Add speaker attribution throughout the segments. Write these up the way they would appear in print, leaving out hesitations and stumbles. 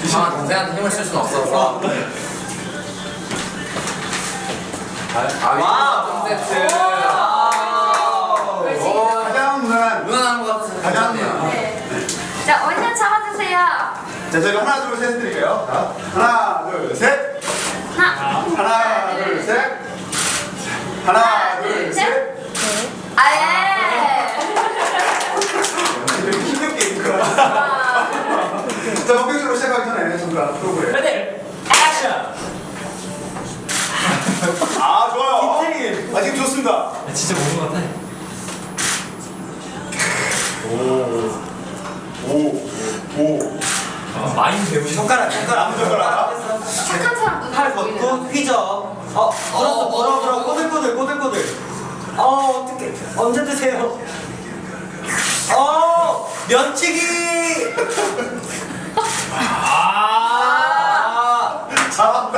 Speaker 1: 아, 동생한테 힘을 쓸 수는 없어서. 와, 세트.
Speaker 2: 가장
Speaker 1: 무난한 것 같아서
Speaker 2: 가장
Speaker 1: 괜찮네요.
Speaker 3: 네. 자, 원샷 잡아주세요.
Speaker 2: 자, 저희가 하나, 둘, 셋 드릴게요. 자, 하나, 둘, 셋. 하나, 둘, 셋. 하나, 둘, 셋.
Speaker 3: 아예.
Speaker 2: 되게 힘든 게임이구나. 자, 본격적으로 시작하기 전에 정말 프로그램.
Speaker 4: 레디 액션.
Speaker 2: 아, 좋아요.
Speaker 4: 힌트리.
Speaker 2: 아, 지금 좋습니다.
Speaker 4: 진짜 모르는 것 같아.
Speaker 2: 오.
Speaker 4: 많이 배우시. 손가락
Speaker 2: 아무 젓가락.
Speaker 3: 착한 사람
Speaker 4: 팔
Speaker 3: 눈을
Speaker 4: 걷고 휘저. 불어 꼬들꼬들. 어떡해. 언제 드세요? 면치기.
Speaker 2: 잘한다.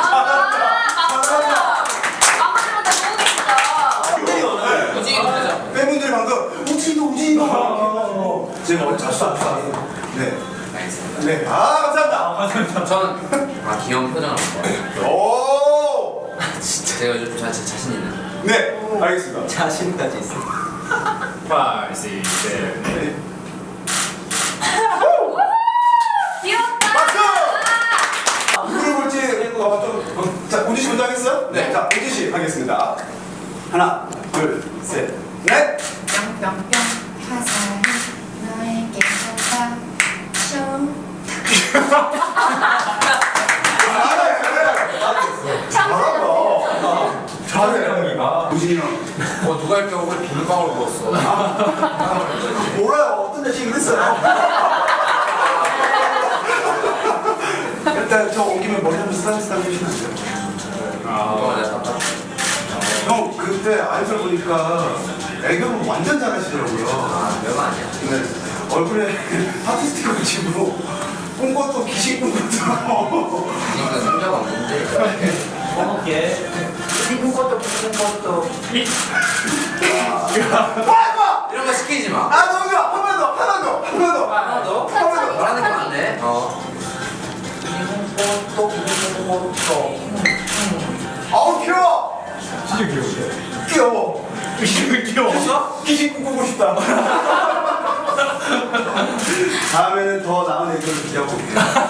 Speaker 3: 아무데나 모르겠어.
Speaker 1: 무지개 되죠?
Speaker 2: 팬분들이 방금 우진도 제가 원래 자수 안 써요. 네.
Speaker 1: 알겠습니다.
Speaker 2: 네. 아, 감사합니다.
Speaker 1: 저는 귀여운 표정을 좋아해요.
Speaker 2: 오.
Speaker 1: 제가 요즘 자신 있는.
Speaker 2: 네, 알겠습니다.
Speaker 4: 자신까지 있어. 5, 6, 7, 8.
Speaker 3: 귀엽다.
Speaker 2: 박수! 누구를 볼지 자, 우지 씨 먼저 하겠어요?
Speaker 1: 네.
Speaker 2: 자, 우지 씨 하겠습니다. 하나, 둘, 셋, 넷.
Speaker 5: 뿅뿅뿅 화살이 너에게 쏟아져
Speaker 2: 잘해. 우진이 형.
Speaker 1: 누가 이렇게 얼굴에 비눗방울 부었어.
Speaker 2: 몰라요. 어떤 자식이 그랬어요. 일단 저 온 김에 머리 한번 쓰담쓰담 해주시면 안 돼요? 형 그때 아이돌 보니까 애교는 완전 잘하시더라고요.
Speaker 1: 별거 아니야.
Speaker 2: 네. 얼굴에 하트 스티커 붙이고 꾼 것도 기식 꾼 것도
Speaker 1: 지금 성적 없는데.
Speaker 4: 먹을게.
Speaker 2: 와!
Speaker 1: 이런 거 시키지 마.
Speaker 2: 아 너무 좋아! 한 번 더!
Speaker 1: 하나 더? 말하는 거 맞네.
Speaker 2: 아우 귀여워!
Speaker 4: 진짜 귀여운데?
Speaker 2: 귀여워!
Speaker 4: 귀여웠어?
Speaker 2: 기식 꿈꾸고 싶다. 다음에는 더 나은 애교를 기대하고 올게요.